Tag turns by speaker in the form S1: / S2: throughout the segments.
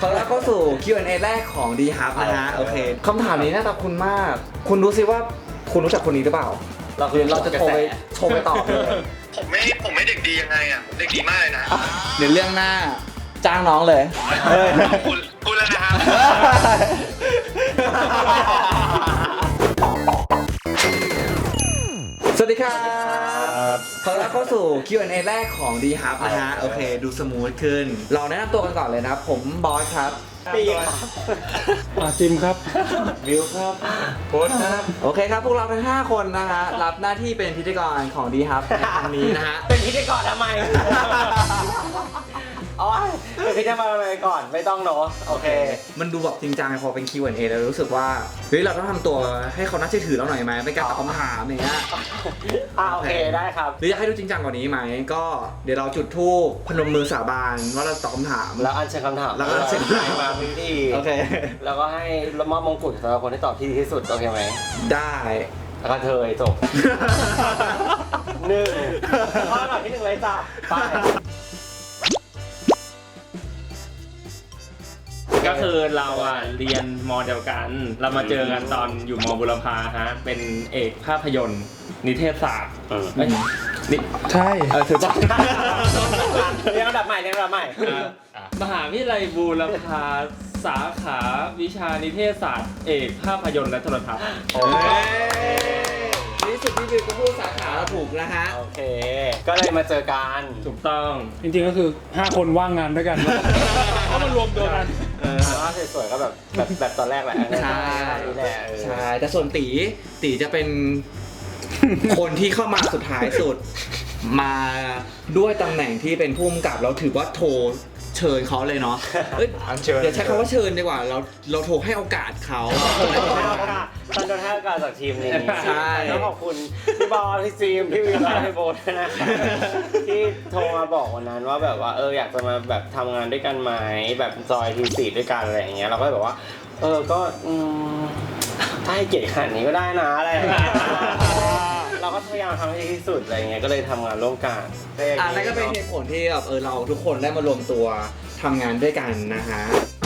S1: ขอต้อนรับเข้าสู่ Q&A แรกของ D Hub นะฮะโอเคคำถามนี้น่าจะคุณมาก คุณรู้สิว่าคุณรู้จักคนนี้หรือเปล่าเราจะโทรไปตอบเลย
S2: ผมไม่เด็กดียังไงอ่ะผมเด็กดีมากเลยนะ
S1: เดี๋ยวเรื่องหน้าจ้างน้องเลย
S2: พูดแล้วนะครับ
S1: สวัสดีครับขอต้อนรับเข้าสู่ Q&A แรกของ D Hub นะฮะโอเคดูสมูทขึ้นเราแนะนำตัวกันก่อนเลยนะผมบอสครับ
S3: ปีครับจิมครับวิวครับโค้ชครับ
S1: โอเคครับพวกเราทั้ง5คนนะฮะรับหน้าที่เป็นพิธีกรของ D Hub ในครั้งนี้นะฮะ
S3: เป็นพิธีกรทำไมอ๋อเป็นพิธีกรทำไมก่อนไม่ต้องเนาะโอเค
S1: มันดูแบบจริงจังพอเป็น Q&A แล้วรู้สึกว่าเฮ้ยเราต้องทำตัวให้เขาน่าเชื่อถือเราหน่อยไหมเป็นการตอบคำถามอย่างเงี้ย
S3: โอเคได้ครับ
S1: หรืออยากให้ดูจริงจังกว่านี้ไหมก็เดี๋ยวเราจุดธูปพนมมือสาบานว่าเราตอบคำถาม
S3: แล้วอัญเชิญคำถาม
S1: แล้วก็อัญเชิญคำถาม
S3: มาพิธี
S1: โอเค
S3: แล้วก็ให้มอบมงกุฎสำหรับคนที่ตอบที่ดีที่สุดโอเคไหม
S1: ได้
S3: แล้วก็เธอจบข้อหน่อยที่1เลยจ้ะไป
S4: ก็คือเราเรียนมอเดียวกันเรามาเจอกันตอนอยู่มบุรพาฮะเป็นเอกภาพยนตร์นิเทศศาสตร์
S1: ใช่
S3: ถือว่าเรียนระดับใหม่
S4: มหาวิทยาลัยบูรพาสาขาวิชานิเทศศาสตร์เอกภาพยนตร์และโทรทัศน์
S1: นี่สุดที่วิวก็พูดสาขาเราถูกนะฮะ
S3: โอเคก็เลยมาเจอกัน
S4: ถูกต้อง
S5: จริงๆก็คือ5คนว่างงานด้วยกันก็มารวมตัวกัน
S3: ถ้าสวยๆก็แบบตอนแรกแหละ
S1: ใช่ใช่แต่ส่วนตีจะเป็นคนที่เข้ามาสุดท้ายสุดมาด้วยตำแหน่งที่เป็นผู้กำกับเราถือว่าโทรเชิญเขาเลยเนาะเดี๋ยวใช้คำว่าเชิญดีกว่าเราโทรให้โอกาสเขา
S3: ตอนโดนให้โอกาสจากทีมนี้
S1: ใช่
S3: ต้องขอบคุณพี่บอลพี่ซีมพี่วิวและพี่โบ๊ทนะที่โทรมาบอกวันนั้นว่าแบบว่าอยากจะมาแบบทำงานด้วยกันไหมแบบจอยทีสี่ด้วยกันอะไรอย่างเงี้ยเราก็เลยบอกว่าก็ถ้าให้เกียรติขนาดนี้ก็ได้นะอะไรเราก็พยายามทำให้ดีที่สุดอะไรเงี้ยก็เลยทำงานร่วมกัน
S1: นั่นก็เป็นเหตุผลที่แบบเราทุกคนได้มารวมตัวทำงานด้วยกันนะฮะ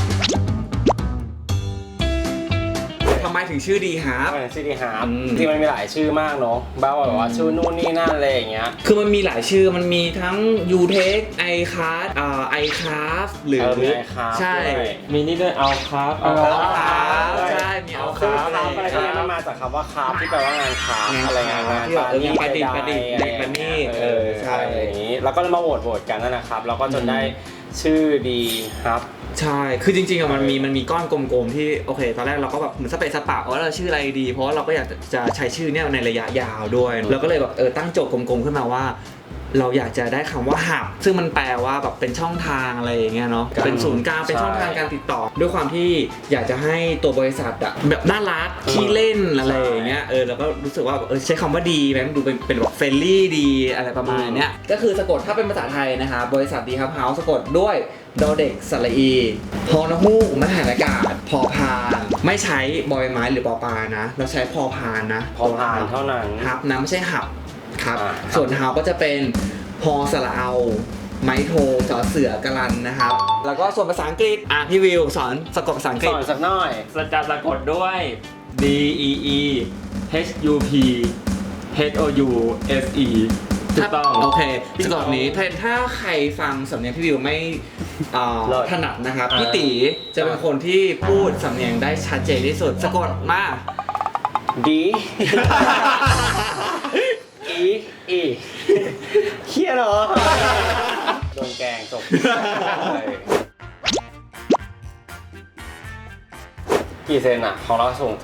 S1: ทำไมถึงชื่อดีฮาร์ป
S3: ชื่อดีฮาร์ปที่มันมีหลายชื่อมากเนาะบ้าแบบว่าชื่อนู่นนี่นั่นอะไรอย่างเงี้ย
S1: คือมันมีหลายชื่อมันมีทั้ง UTech iCast iCraft หรือ
S3: มี iCraft
S1: ใช่
S4: มีนี่ด้วยเอาครับ
S1: ใช่มีเอาครับ
S3: อะไรที่มันมาจากคำว่าคราฟที่แปลว่างานคราฟอะไรงาน
S1: ที่แบบงานประดิษฐ์ประณีต
S3: ใช่อย่างนี้แล้วก็มาโหวตกันนั่นแหละครับแล้วก็จนได้ชื่อดีครับ
S1: ใช่คือจริงๆมันมีก้อนกลมๆที่โอเคตอนแรกเราก็แบบเหมือนสเปซสปะว่าเราชื่ออะไรดีเพราะว่าเราก็อยากจะใช้ชื่อเนี่ยในระยะยาวด้วยเราก็เลยแบบตั้งโจทย์กลมๆขึ้นมาว่าเราอยากจะได้คำว่าหับซึ่งมันแปลว่าแบบเป็นช่องทางอะไรอย่างเงี้ยเนาะเป็นศูนย์กลางเป็นช่องทางการติดต่อด้วยความที่อยากจะให้ตัวบริษัทแบบน่ารักขี้เล่นอะไรอย่างเงี้ยแล้วก็รู้สึกว่าใช้คำว่าดีแม้ดูเป็นแบบเฟรนลี่ดีอะไรประมาณเนี้ยก็คือสะกดถ้าเป็นภาษาไทยนะคะบริษัทดีครับเฮาส์สะกดด้วยดอเด็กสระอีฮอนฮูกมหาอากาศพอพานไม่ใช้บอยไม้หรือปอปานะเราใช้พอพานนะ
S3: พอพานเท่านั้น
S1: ฮับนะไม่ใช่หับครับส่วนเฮาก็จะเป็นพอสระเอาไม้โทจอเสือกรันนะครับแล้วก็ส่วนภาษาอังกฤษพี่วิวสอนสะกดภาษาอังกฤษ
S3: สอนสักหน่อย
S4: จะสะกดด้วย D E E H U P H O U S E ถูกต้อง
S1: โอเคสะกดนี้ถ้าใครฟังสำเนียงพี่วิวไม่ถนัดนะครับพี่ตีจะเป็นคนที่พูดสำเนียงได้ชัดเจนที่สุดสะกดมา
S3: D E เฮียเหรอโดนแกงจบกี่เซนอะของเราสูง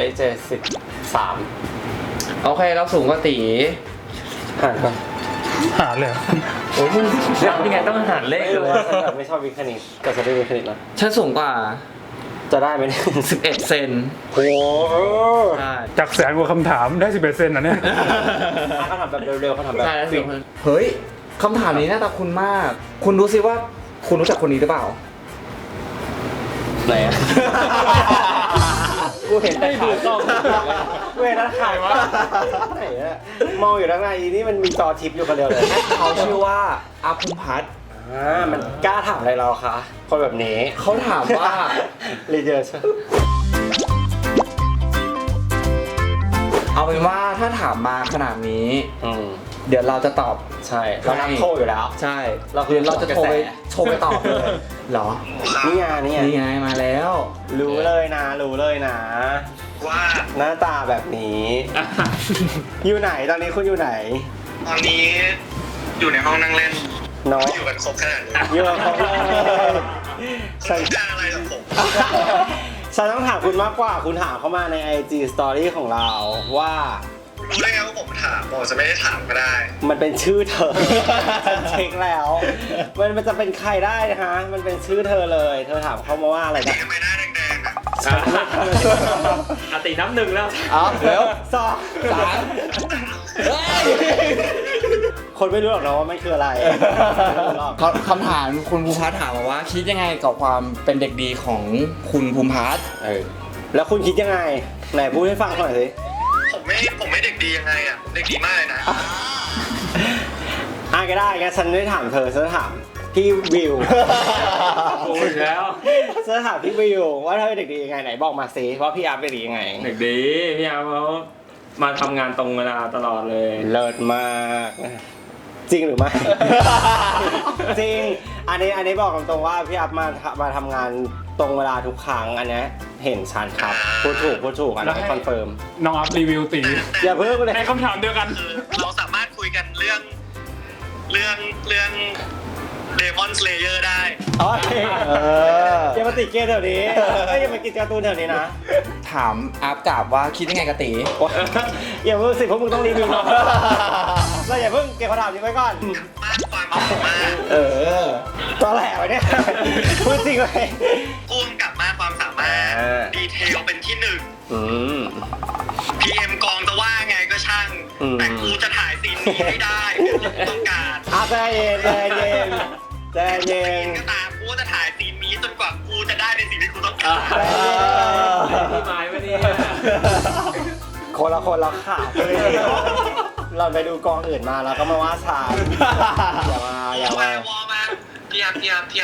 S3: 173
S1: โอเคเราสูงกว่าตี
S3: หารกัน
S5: หารเลย
S4: โอ้ยมึงยังไงต้องหารเลขเลย
S3: ฉันแบบไม่ชอบวิทย์คณิตแต่ฉันได้วิทย์คณิตนะ
S1: ฉันสูงกว่า
S3: จะได้ไหม
S1: 11 เซน
S3: โอ้
S5: จากแสนกว่าคำถามได้11 เซนนะเนี่ย
S3: เขาทำแบบเร็วๆเขาทำแบบ
S1: เฮ้ยคำถามนี้น่าตาคุณมากคุณรู้สิว่าคุณรู้จักคนนี้หรือเปล่า
S3: ไหนอะกูเห็นแต่ขายกล้องกูเห็นแต่ขายวะไหนอะมองอยู่ด้านในนี่มันมีจอทิปอยู่คนเดียวเลย
S1: เขาชื่อว่าอาภูมิพัฒน์
S3: มันกล้าถามอะไรเราคะคนแบบนี้
S1: เขาถามว่า
S3: รีเจอร์
S1: เอาเป็นว่าถ้าถามมาขนาดนี้ เดี๋ยวเราจะตอบ
S3: ใช่เรานักโทรอยู่แล้ว
S1: ใช่
S3: เราคือ
S1: เดี๋ยวเราจะโทรไปตอบเลยเหรอ
S3: นี่ไง
S1: นี่ไงมาแล้ว
S3: รู้เลยนะ
S2: ว่า
S3: หน้าตาแบบนี้ อยู่ไหนตอนนี้คุณอยู่ไหน
S2: ตอนนี้อยู่ในห้องนั่งเล่น
S3: เนาะ
S2: อยู่กันครบขนาดนี้
S3: อยู่กับเขาเลย
S2: ฉันการอะไรกับผม
S3: ฉันต้องถามคุณมากกว่าคุณถามเข้ามาใน IG Story ของเราว่า
S2: รู้ได้ไงว่าผมถามบอกจะไม่ได้ถามก็ได้
S3: มันเป็นชื่อเธอ ฉันเช็คแล้ว มันจะเป็นใครได้นะคะมันเป็นชื่อเธอเลย เธอถามเขามาว่าอะไรนะ
S2: ทำไมหน้าแดงๆอ่ะ
S4: อติน้ำหนึ่งแล้ว
S1: อ๋อเร็ว
S3: สอง
S1: สามเฮ้ย
S3: คนไม่รู้หรอกนะว่ามันคืออะไรไม่รู้หรอก
S1: คำถามคุณภูมิพัฒน์ถามมาว่า คิดยังไงกับความเป็นเด็กดีของคุณภูมิพัฒน์
S3: แล้วคุณคิดยังไงไหนพูดให้ฟังหน่อยสิ
S2: ผมไม่เด็กดียังไงอ่ะเด็กดีมากเลยนะ
S3: ก็ได้งั้นฉันไม่ถามเธอฉันจะถามพี่วิว
S4: กูอีกแล้ว
S3: ฉันจะถามพี่วิวว่าเธอเป็นเด็กดียังไงไหนบอกมาสิว่าพี่อาร์ตเป็นเด็กดียังไง
S4: เด็กดีพี่อาร์มเขามาทำงานตรงเวลาตลอดเลย
S3: เลิศมากจริงหรือไม่ จริงอันนี้บอกตรงๆว่าพี่อัพมาทำงานตรงเวลาทุกครั้งอันนี้เห็นชันครับพูดถูกอันนี้คอนเฟิร์ม
S5: น้องอัพรีวิวตี
S3: อย่าเพิ่งเลย
S5: ในคำถามเดียวกัน
S2: คือเราสามารถคุยกันเรื่องเดมอนสเลเยอร์ได้
S3: โอเคอย่ามาติดเกมแถวนี้อย่ามากินการ์ตูนแถวนี้นะ
S1: ถามอัพกลับว่าคิดยังไงกับตี
S3: อย่าเพิ่งสิพวกมึงต้องรีวิวเราเราอย่าเพิ่งเก็บคำถามนี้ไว้ก่อน
S2: มากความสามารถ
S3: ตอแหลไว้เนี่ยพูดจริงเลย
S2: พ่วงกับมากความสามารถ ดีเทลเป็นที่หนึ่ง PM กองจะว่าไงก็ช่าง แต่กูจะถ่ายซีนนี้ให้ได้คือกูต้องการ
S3: ใจเย็น
S2: ก็ตามกูจะถ่ายซีนนี้จนกว่ากูจะได้ในสิ่งที่กูต้องการ
S4: พี่ไม้ไม่เนี่ย
S3: คนละขาดเลยเราไปดูกองอื่นมาแล้วก็มาว่าชาอย่ามา
S2: วอมาพี่อัพเดี๋ยวพี่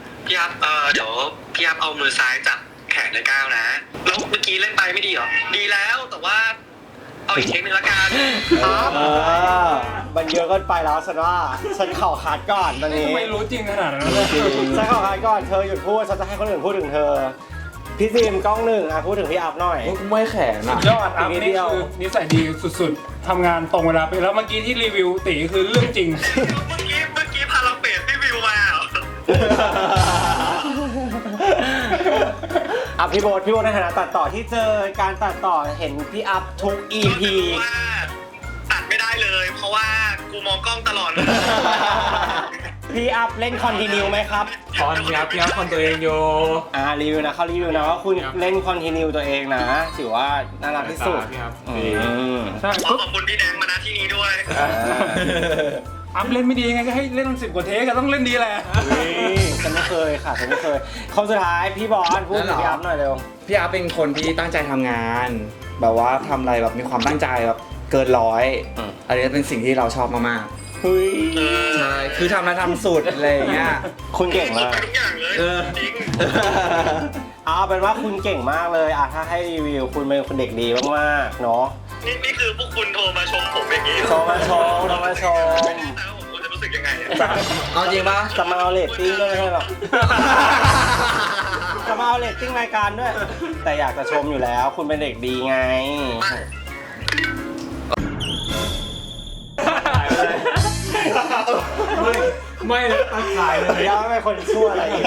S2: อัพเอามือซ้ายจับแขนในก้าวนะแล้วเมื่อกี้เล่นไปไม่ดีเหรอดีแล้วแต่ว่าเอาอีกเทคนึงละกัน
S3: มันเยอะเกินไปแล้วฉันว่าฉันเข่าขาดก่อนตอนนี้
S5: ไม่รู้จริงขนาดนั้นเลย
S3: ฉันเข่าขาดก่อนเธอหยุดพูดฉันจะให้คนอื่นพูดถึงเธอพี่ซิมกล้องหนึ่งพูดถึงพี่อัพหน่อย
S1: กูไม่แขนอ่ะ
S5: ยอดอัพนี่คือนิสัยดีสุดๆทำงานตรงเวลาไปแล้วเมื่อกี้ที่รีวิวตีคือเรื่องจริง
S2: เมื่อกี้พาราเปดที่วิวมาเหรอ
S3: พี่โบ๊ทในฐานะตัดต่อที่เจอการตัดต่อเห็นพี่อัพทุก EP
S2: ว่าตัดไม่ได้เลย เพราะว่ากูมองกล้องตลอดเลย
S3: พี่อัพเล่นคอนติเนียไหมครับ
S4: คอนครับพี่อาร์มคอนตัวเองอยู่
S3: รีวิวนะเขารีวิวนะว่าคุณเล่นคอนติเนียตัวเองนะถือว่าน่ารักที่สุด
S4: พี่ครับ
S5: ใช่
S2: ขอบคุณพี่แดงมาณที่นี้ด้วย
S5: อัพเล่นไม่ดียังไงก็ให้เล่น10 กว่าเทคก็ต้องเล่นดีแหละ
S3: ฉันไม่เคยค่ะฉันไม่เคยคนสุดท้ายพี่บอลพูดถึงพี่อัพหน่อยเร็ว
S1: พี่อัพเป็นคนที่ตั้งใจทำงาน แบบว่าทำอะไรแบบมีความตั้งใจแบบเกินร้อยอันนี้เป็นสิ่งที่เราชอบมาก
S3: เฮ้ย
S1: ๆใช่คือทำแล้วทำสุดอะไรอย่างเงี้ย
S3: คุณเก่งมาก
S2: ทุกอย่างเลยจริง
S3: เอาเป็นว่าคุณเก่งมากเลยถ้าให้รีวิวคุณเป็นคนเด็กดีมากๆเนาะ
S2: นี่คือพวกคุณโทรมาชมผมอย่างนี้
S3: โชว์มาโชว์
S2: ไม่แน่ใจว่าผมควรจะรู้สึกยังไงอะ
S1: เอาจริงปะ
S3: จะมาเอาเรตติ้งด้วยไม่ใช่หรอกจะมาเอาเรตติ้งรายการด้วย แต่อยากจะชมอยู่แล้ว คุณเป็นเด็กดีไง
S4: ไม่เลยตั้งขายเลย
S3: ยังไม่เป็นคนชั่วอะไรอีก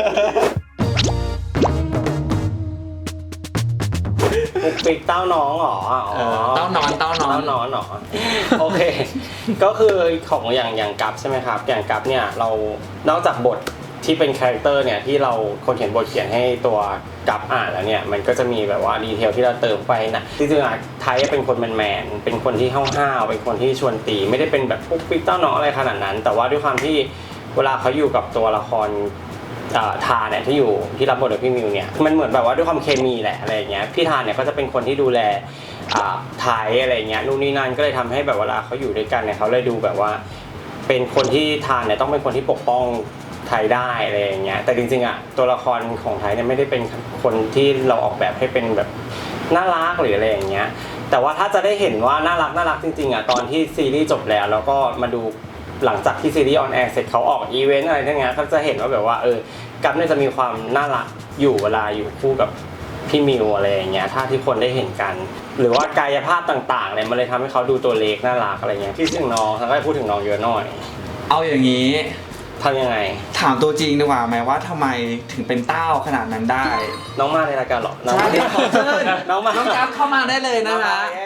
S3: ปุกปิกเต้าน้องเหรอ
S1: เต้านอน
S3: เต้านอนเหรอโอเค ก็คือของอย่างกัฟใช่ไหมครับอย่างกัฟเนี่ยเรานอกจากบทที่เป็นคาแรคเตอร์เนี่ยที่เราคนเขียนบทเขียนให้ตัวกัฟอ่านแล้วเนี่ยมันก็จะมีแบบว่าดีเทลที่เราเติมไปนะที่จริงๆไทยเป็นคนแมนๆเป็นคนที่ห้าวๆเป็นคนที่ชวนตีไม่ได้เป็นแบบปุ๊กปิ๊กเต้าน้องอะไรขนาดนั้น แต่ว่าด้วยความที่เวลาเขาอยู่กับตัวละครทาเนี่ยที่รับบทโดยพี่มิวเนี่ยมันเหมือนแบบว่าด้วยความเคมีแหละอะไรอย่างเงี้ยพี่ทาเนี่ยก็จะเป็นคนที่ดูแลไทยอะไรเงี้ยนู่นนี่นั่นก็เลยทำให้แบบเวลาเขาอยู่ด้วยกันเนี่ยเขาเลยดูแบบว่าเป็นคนที่ทานเนี่ยต้องเป็นคนที่ปกป้องไทยได้อะไรอย่างเงี้ยแต่จริงๆอ่ะตัวละครของไทยเนี่ยไม่ได้เป็นคนที่เราออกแบบให้เป็นแบบน่ารักหรืออะไรอย่างเงี้ยแต่ว่าถ้าจะได้เห็นว่าน่ารักจริงๆอ่ะตอนที่ซีรีส์จบแล้วก็มาดูหลังจากที่ซีรีส์ออนแอร์เสร็จเขาออกอีเวนต์อะไรทั้งนั้นเขาจะเห็นว่าแบบว่ากัปเนี่ยจะมีความน่ารักอยู่เวลาอยู่คู่กับพี่มิวอะไรอย่างเงี้ยถ้าที่คนได้เห็นกันหรือว่ากายภาพต่างๆเนี่ยมันเลยทำให้เขาดูตัวเล็กน่ารักอะไรเงี้ยที่ถึงน้องทั้งก็พูดถึงน้องเยอะหน่อย
S1: เอาอย่างนี้
S3: ทำยังไง
S1: ถามตัวจริงดีกว่าไหมว่าทำไมถึงเป็นเต้าขนาดนั้นได้
S3: น้องมาในรายการหรอ
S1: ใช่เดี๋ยวขอเชิญ
S3: น้องมา
S1: น้องกัฟเข้ามาได้เลยนะคะ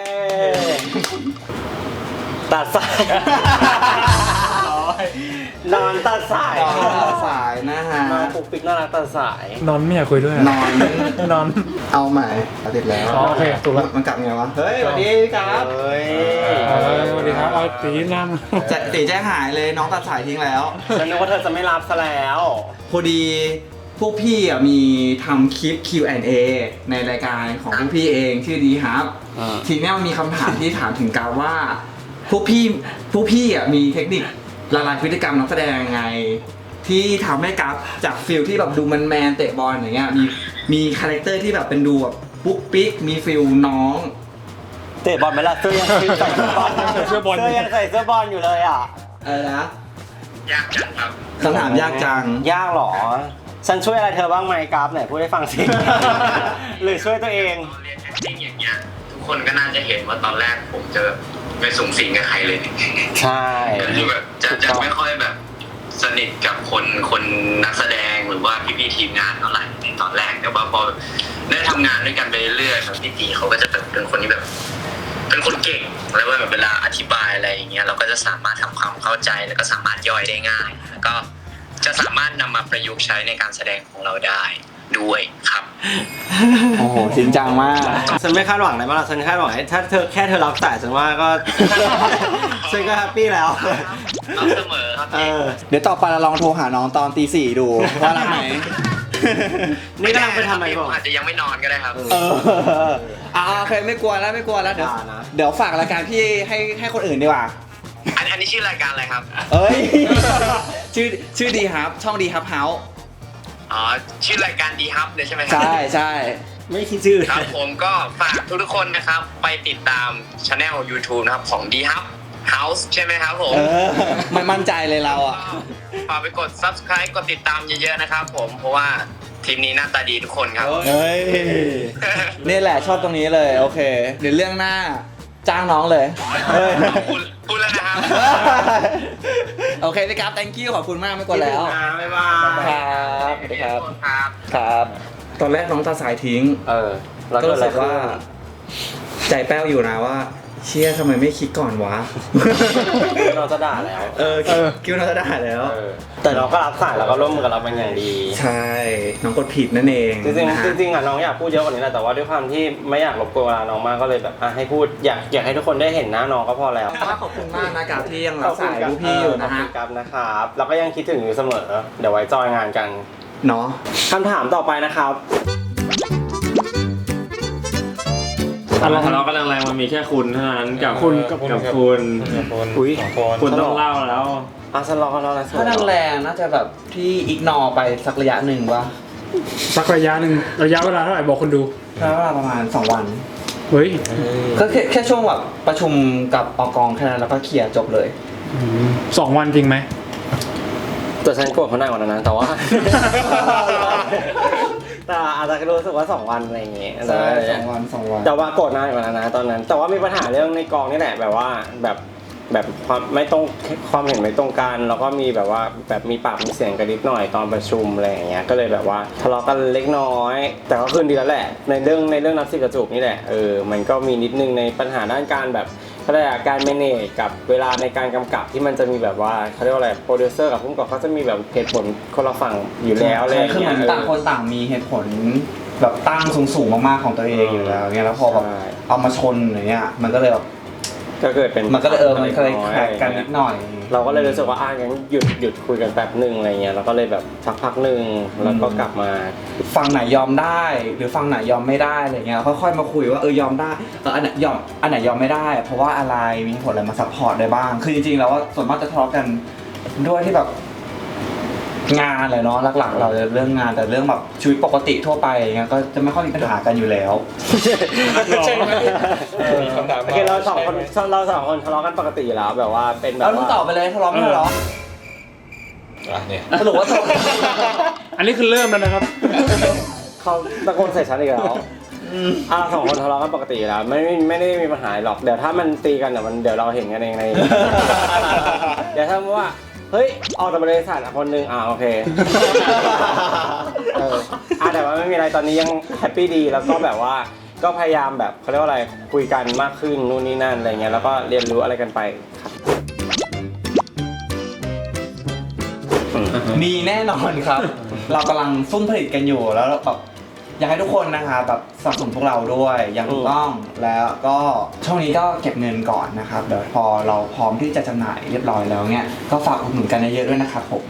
S3: ตัดสายนอนตัดสาย
S1: ต่อสายนะฮะ
S3: น้องปุ๊กปิ๊กน่ารักตัดสาย
S5: นอนไม่อยากคุยด้วย
S1: นอน
S5: นอน
S1: เอาใหม่ติดแล้ว
S5: อ๋อโอเคถูกแล้ว
S1: มันกลับไงวะเฮ้ยสวัสดีครับ
S3: เฮ้ย
S5: สวัสดีครับเอาตีนั่ง
S1: ตีแจ้งหายเลยน้องตัดสายทิ้งแล้ว
S3: ฉันนึกว่าเธอจะไม่รับซะแล้ว
S1: พอดีพวกพี่อ่ะมีทำคลิป Q&A ในรายการของพวกพี่เองชื่อดีครับ ทีนี้มันมีคำถามที่ถามถึงการว่าพวกพี่อ่ะมีเทคนิคละลายพฤติกรรมนักแสดงยังไง ที่ทำให้กราฟจากฟิลที่แบบดูแมนเตะบอลอย่างเงี้ยมีคาแรคเตอร์ที่แบบเป็นดูแบบปุ๊กปิ๊กมีฟิลน้อง
S3: เตะบอลไหมล่ะเสื้อยังใส่เสื้อบอล
S5: เสื้อบอล
S3: เสื้อยังใส่เสื้อบอลอยู่เลยอ่ะ
S1: อะไรนะ
S2: ยากจังครับ
S1: คำถามยากจัง
S3: ยากเหรอ ฉันช่วยอะไรเธอบ้างไหมกราฟไหนพูดให้ฟังสิ หรือช่วยตัวเอง
S2: ตอนเรียน acting อย่างเงี้ยทุกคนก็น่าจะเห็นว่าตอนแรกผมจะไม่สูงสิงกับใครเลย
S3: ใช่
S2: ก็คือแบบจะไม่ค่อยแบบสนิทกับคนนักแสดงหรือว่าพี่ๆทีมงานเท่าไหร่ในตอนแรกแต่ว่าพอได้ทำงานด้วยกันไปเรื่อยๆแบบพี่ตีเขาก็จะแบบเป็นคนที่แบบ เป็นคนเก่งแล้วแบบเวลาอธิบายอะไรอย่างเงี้ยเราก็จะสามารถทำความเข้าใจแล้วก็สามารถย่อยได้ง่ายแล้วก็จะสามารถนำมาประยุกต์ใช้ในการแสดงของเราได้ด้วยครับ
S1: โอ้โหจริงจังมาก
S3: ฉันไม่คาดหวังอะไรมากหรอกฉันคาดหวังให้ถ้าเธอแค่เธอรับสายฉันว่าก็ ฉันก็แฮปปี้แล้ว
S2: รับเสมอครับ
S1: เดี๋ยวต่อไปเราลองโทรหาน้องตอนตี 4ดูว่ารับไหม
S3: นี่กำลังไปทำอะไร
S2: ผ
S3: บอก
S2: มอาจจะยังไม่นอนก็ได้ครับ
S1: โอเคไม่กลัวแล้วไม่กลัวแล้วเดี๋ยว
S3: อย่านะ
S1: เดี๋ยวฝากรายการพี่ให้คนอื่นดีกว่า
S2: อันนี้ชื่อรายการอะไรครับ
S1: เอ้ย ชื่อดีครับช่องดีครับเฮาส์
S2: อ๋อชื่อรายการดีฮับเลยใช่ไหมครั
S1: ใช่ใช่
S3: ไม่คิดชื่อ
S2: ครับผมก็ฝากทุกๆคนนะครับไปติดตามช anel YouTube นะครับของดีฮับ House ใช่ไหมครับผม
S1: มันมั่นใจเลยเราอ่ะ
S2: ฝากไปกด subscribe กดติดตามเยอะๆนะครับผมเพราะว่าทีมนี้หน้าตาดีทุกคนครับ
S1: เฮ้ย นี่แหละชอบตรงนี้เลยโอเค เดี๋ยวเรื่องหน้าจ้างน้องเลยเฮ้ย
S2: พูดแล้วนะครับ
S1: โอเคนะครับ thank you ขอบคุณมากไม่กดแล้ว
S3: บ๊ายบาย
S1: ครับสวัสดีครับ
S2: ครับ
S1: ครับ ตอนแรกน้องตาสายทิ้ง
S3: แล้ว
S1: ก็
S3: ก็
S1: รู้สึกว่า ใจแป้วอยู่นะว่า เชี่ยทำไมไม่คิดก่อนวะ
S3: เราจะด่าแล้ว
S1: คิดว่าเราจะได้แล้ว
S3: แต่เราก็รับสายแล้วก็ร่วมมือกับเราเป็นอย่างดี
S1: ใช่ น้องกดผิดนั่นเอง
S3: จริง
S1: นะฮะ
S3: ๆจริงๆอ่ะน้องอยากพูดเยอะกว่านี้แหละแต่ว่าด้วยความที่ไม่อยากรบกวนเวลาน้องมากก็เลยแบบให้พูดอยากให้ทุกคนได้เห็นหน้าน้องก็พอแล้ว
S1: ขอบคุณมากนะครับที่ยังรับสายผู้พี่อยู่นะ
S3: ขอบ
S1: ฮะ
S3: คุณครับนะครับแล้วก็ยังคิดถึงอยู่เสมอเดี๋ยวไว้จอยงานกัน
S1: เนาะ
S3: คำถามต่อไปนะครับ
S4: ทะเลาะกันแรงๆมันมีแค่คุณเท่านั้นกับ
S5: คุณกับ
S4: กับ
S5: คุณ
S4: คุณ
S3: อุ้ย
S4: คุณต้องเล่าแล้ว
S3: ฉันรอแล้วนะ
S1: ถ้าแรงๆน่าจะแบบที่อิกนอไปสักระยะหนึ่งวะ
S5: สักระยะหนึ่งระยะเวลาเท่าไหร่บอกคนดู
S1: ใช้เวลาประมาณ 2 วัน
S5: เฮ้ย
S1: ก็แค่ช่วงแบบประชุมกับอกองแค่นั้นแล้วก็เคลียร์จบเลย
S5: 2 วันจริงไหม
S3: แต่ฉันโกรธเขาหนักกว่านั้นนะแต่ว่า แต่อาจจะรู้สึกว่า2 วันอะไรอย่างเงี้ย
S1: ใช่2 วัน 2 วัน
S3: แต่ว่าโกรธนานกว่านั้นนะตอนนั้น แต่ว่ามีปัญหาเรื่องในกองนี่แหละแบบว่าแบบความไม่ตรงความเห็นไม่ตรงกันแล้วก็มีแบบว่าแบบมีปากมีเสียงกันนิดหน่อยตอนประชุมอะไรอย่างเงี้ยก็เลยแบบว่าทะเลาะกันเล็กน้อย แต่ก็คืนดีแล้วแหละในเรื่องนับสิบกระจุกนี่แหละมันก็มีนิดนึงในปัญหาด้านการแบบเขาเรียกว่าการ manage กับเวลาในการกำกับที่มันจะมีแบบว่าเขาเรียกว่าอะไรโปรดิวเซอร์กับผู้กำกับเขาจะมีแบบเหตุผลคนละฝั่งอยู่แล้วอะไรอย่าง
S1: คือเห
S3: เงี้
S1: มื
S3: ย
S1: อนต่างคนต่างมีเหตุผลแบบตั้งสูงๆมากๆของตัวเองอยู่แล้วเงี้ยแล้วพอแบบเอามาชนอย่างเงี้ยมันก็เลยแบบ
S3: ก็เกิดเป็น
S1: มันก็เลยมันเคยแข่งกันนิดหน่อย
S3: เราก็เลยรู้สึกว่างั้นหยุดคุยกันแป๊บหนึ่งอะไรเงี้ยเราก็เลยแบบพักหนึ่งแล้วก็กลับมา
S1: ฝั่งไหนยอมได้หรือฝั่งไหนยอมไม่ได้อะไรเงี้ยค่อยๆมาคุยว่ายอมได้อันไหนยอมไม่ได้ เพราะว่าอะไรมีผลอะไรมาซัพพอร์ตได้บ้างคือจริงๆแล้วว่าส่วนมากจะทะเลาะกันด้วยที่แบบงานเลยเนาะหลักๆเราจะเรื่องงานแต่เรื่องแบบชีวิตปกติทั่วไปเงี้ยก็จะไม่ค่อยมีปัญหากันอยู่แล้ว
S5: ใช่ไหมมีคำถาม
S3: โอเคเราสองคนทะเลาะกันปกติอยู่แล้วแบบว่าเป็นแบบ
S1: เราต้องตอบไปเลยทะเลาะไม่ทะเลาะ
S5: เนี่ย
S1: สรุปว่าทะเลาะ
S5: อันนี้คือเริ่มแล้วนะครับ
S3: เขาตะโกนใส่ฉันอีกแล้วเราสองคนทะเลาะกันปกติอยู่แล้วไม่ได้มีปัญหาหรอกเดี๋ยวถ้ามันตีกันเดี๋ยวเราเห็นกันเองใน เดี๋ยวถ้าว่าเฮ้ยออกจากบริษัทคนนึงโอเคแต่ว่าไม่มีอะไรตอนนี้ยังแฮปปี้ดีแล้วก็แบบว่าก็พยายามแบบเขาเรียกว่าอะไรคุยกันมากขึ้นนู่นนี่นั่นอะไรเงี้ยแล้วก็เรียนรู้อะไรกันไปครับ
S1: มีแน่นอนครับ เรากำลังซุ่มผลิตกันอยู่แล้วแบบอยากให้ทุกคนนะคะแบบสนับสนุนพวกเราด้วยอย่างถูกต้องแล้วก็ช่วงนี้ก็เก็บเงินก่อนนะครับเดี๋ยวพอเราพร้อมที่จะจำหน่ายเรียบร้อยแล้วเนี่ยก็ฝากอุดหนุนกันเยอะๆด้วยนะครับผม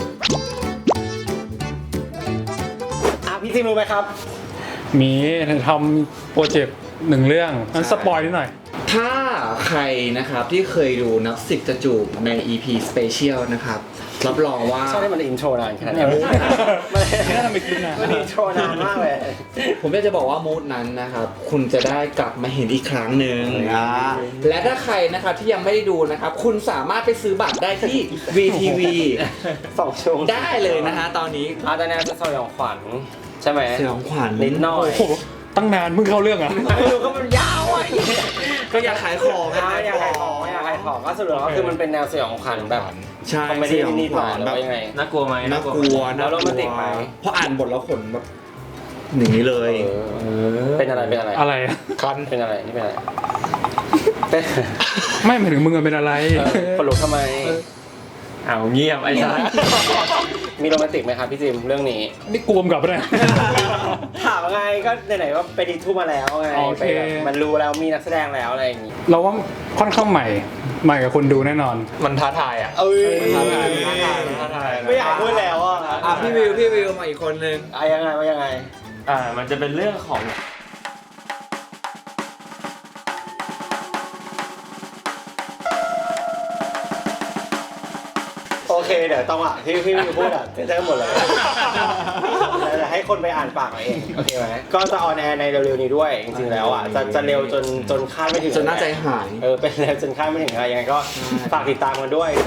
S3: พี่ซิมรู้ไหมครับ
S5: มีทำโปรเจกต์หนึ่งเรื่องนั้นสปอยนิดหน่อย
S1: ถ้าใครนะครับที่เคยดูนักสิบจะจูบใน EP Special นะครับรับรองว่า
S3: ชอบให้มันอินโทรนานขนาดนี้
S5: ไม่น่าทำไปคลิปนะ
S3: มันอินโทรนานมากเลย
S1: ผมอยากจะบอกว่ามูดนั้นนะครับคุณจะได้กลับมาเห็นอีกครั้งหนึ่งและถ้าใครนะครับที่ยังไม่ได้ดูนะครับคุณสามารถไปซื้อบัตรได้ที่ VTV
S3: 2 ชั่วโมง
S1: ได้เลยนะฮะตอนนี้
S3: ตอนนี้จะสยองขวัญใช่ไหม
S1: สยองขวัญ
S3: นิดหน่อย
S5: โอ้โหตั้งนานเพิ่งเข้าเรื่องอ่ะ
S3: ไม่รู้ก็มันยาวอ่ะ
S1: ก็อยากขายของ
S3: อยากขายของก็สรุปก็คือมันเป็นแนวสยองขวัญแบบ
S1: ใช่
S3: คอมเมดี้นิดหน่อยหรือว่ายังไง
S4: น่ากลัวไหม
S1: น่ากลัว
S3: แล้วโรแมนติกไหม
S1: เพราะอ่านบทแล้วขนแบบอย่างนี้เลย
S3: เป็นอะไร
S5: อะไรอะ
S3: คันเป็นอะไรนี่เป็นอะไรเป็น
S5: ไม่หมายถึงมึงอะเป็นอะไร
S3: คนลุกทำไม
S4: เงียบไอ้สัส
S3: มีโรแมนติกไหมครับพี่จิมเรื่องนี้
S5: นี่กลวมกลับไปะเนี่ย
S3: ถามไงก็ไหนๆว่าไปดีทูมาแล้วไง
S5: โอเค
S3: ไปแบบมันรู้แล้วมีนักแสดงแล้วอะไรอย่างงี้
S5: เราว่าค่อนข้างใหม่กับคนดูแน่นอน
S4: มันท้าทายอ่ะ
S3: เอ้ย
S4: ท้าทาย
S3: ไม่อยากพูดแล้วอ่ะ
S1: พี่วิวมาอีกคนนึง
S3: ยังไงว่ายังไง
S4: มันจะเป็นเรื่องของ
S3: โอเคเดี๋ยวต้องที่พี่พูดจะหมดเลยจะให้คนไปอ่านปากเอาเองโอเคไหมก็จะออนแอร์ในเร็วๆนี้ด้วยจริงๆแล้วจะเร็วจนคาดไม่ถึง
S1: จนน่าใจหาย
S3: เป็นเร็วจนคาดไม่ถึงอะไรยังไงก็ฝากติดตามกันด้วย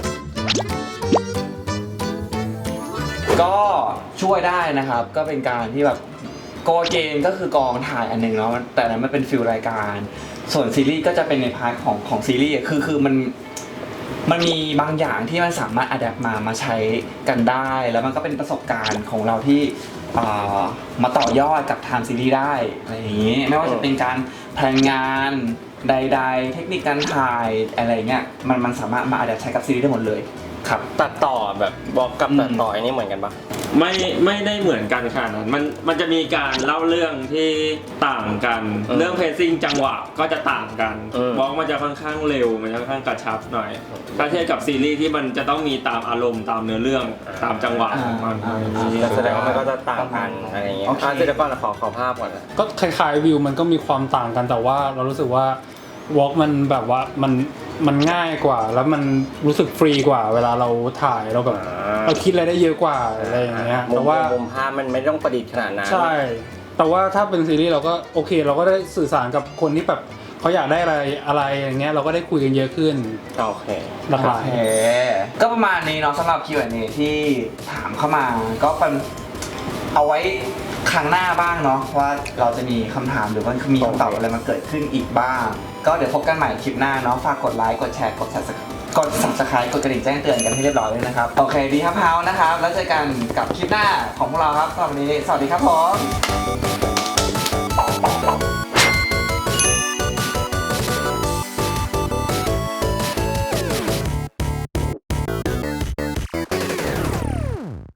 S1: ก็ช่วยได้นะครับก็เป็นการที่แบบโกเกนก็คือกองถ่ายอันหนึ่งเนาะแต่นั้นมันเป็นฟิลรายการส่วนซีรีส์ก็จะเป็นในพาร์ทของซีรีส์คือมันมีบางอย่างที่มันสามารถอัดแอปมาใช้กันได้แล้วมันก็เป็นประสบการณ์ของเราที่มาต่อยอดกับทางซีรีส์ได้อะไรอย่างนี้ไม่ว่าจะเป็นการแพลนงานใดๆเทคนิคการถ่ายอะไรเงี้ยมันสามารถมาอัดแอปใช้กับซีรีส์ได้หมดเลยครับ
S3: ตัดต่อแบบบอกกับตัดต่ออันนี้เหมือนกันปะ
S4: ไม่ได้เหมือนกันขนาดนั้นมันจะมีการเล่าเรื่องที่ต่างกันเรื่องเพซซิ่งจังหวะก็จะต่างกันบล็อกมันจะค่อนข้างเร็วมันจะค่อนข้างกระชับหน่อยถ้าเทียบกับซีรีส์ที่มันจะต้องมีตามอารมณ์ตามเนื้อเรื่องตามจังหวะของมัน
S3: แสดงว่ามันก็จะต่างกันอะไรอย่างเงี้ยเดี๋ยวก่อนขอภาพก่อนนะ
S5: ก็คล้ายๆวิวมันก็มีความต่างกันแต่ว่าเรารู้สึกว่าวอล์กมันแบบว่ามันง่ายกว่าแล้วมันรู้สึกฟรีกว่าเวลาเราถ่ายเราแบบเราคิดอะไรได้เยอะกว่าอะไรอย่างเงี้ยแต่ว่า
S3: มุมภาพมันไม่ต้องประดิษฐ์ขนาดนั้น
S5: ใช่แต่ว่าถ้าเป็นซีรีส์เราก็โอเคเราก็ได้สื่อสารกับคนที่แบบเขาอยากได้อะไรอย่างเงี้ยเราก็ได้คุยกันเยอะขึ้น
S3: โอเค
S5: หลากหลาย
S1: ก็ประมาณนี้เนาะสำหรับ Q&A ที่ถามเข้ามาก็เป็นเอาไว้ครั้งหน้าบ้างเนาะว่าเราจะมีคำถามหรือว่ามีคำตอบอะไรมาเกิดขึ้นอีกบ้างก็เดี๋ยวพบกันใหม่คลิปหน้าเนาะฝากกดไลค์กดแชร์กด Subscribe กดกระดิ่งแจ้งเตือนกันให้เรียบร้อยเลยนะครับโอเคดีครับเฮานะครับแล้วเจอกันกับคลิปหน้าของพวกเราครับสำหรับวันนี้สวัสดีครับผม